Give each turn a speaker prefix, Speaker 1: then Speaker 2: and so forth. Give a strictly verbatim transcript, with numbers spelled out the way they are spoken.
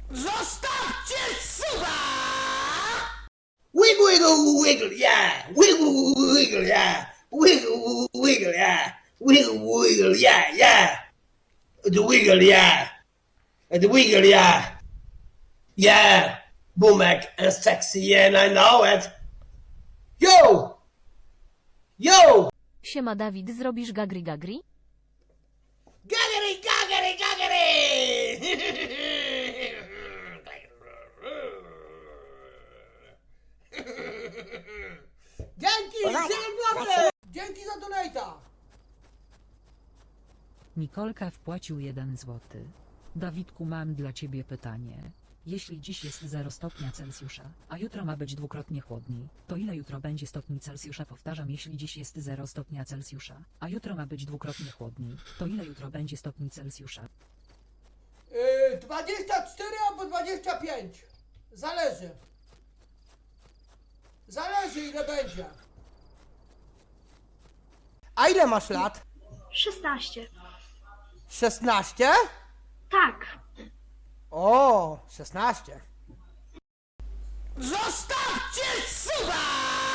Speaker 1: Zostawcie suba!
Speaker 2: Wiggle, wiggle, wiggle, yeah. Wiggle, wiggle, yeah. Wiggle, wiggle, yeah. Wiggle, wiggle, yeah, yeah. The wiggle, yeah. The wiggle, yeah. Yeah. Boomek and sexy, and I know it. Yo! Yo!
Speaker 3: Siema Dawid, zrobisz gagri gagri?
Speaker 2: Gaggery, gaggery, gaggery!
Speaker 1: Dzięki! Dzięki! Dzięki za donate'a!
Speaker 4: Nikolka wpłacił jeden złoty. Dawidku, mam dla ciebie pytanie. Jeśli dziś jest zero stopnia Celsjusza, a jutro ma być dwukrotnie chłodniej, to ile jutro będzie stopni Celsjusza? Powtarzam, jeśli dziś jest zero stopnia Celsjusza, a jutro ma być dwukrotnie chłodniej, to ile jutro będzie stopni Celsjusza?
Speaker 1: Yy, dwadzieścia cztery albo dwadzieścia pięć. Zależy. Zależy ile będzie. A ile masz lat?
Speaker 5: szesnaście.
Speaker 1: szesnaście?
Speaker 5: Tak.
Speaker 1: O, szesnaście. Zostawcie suba!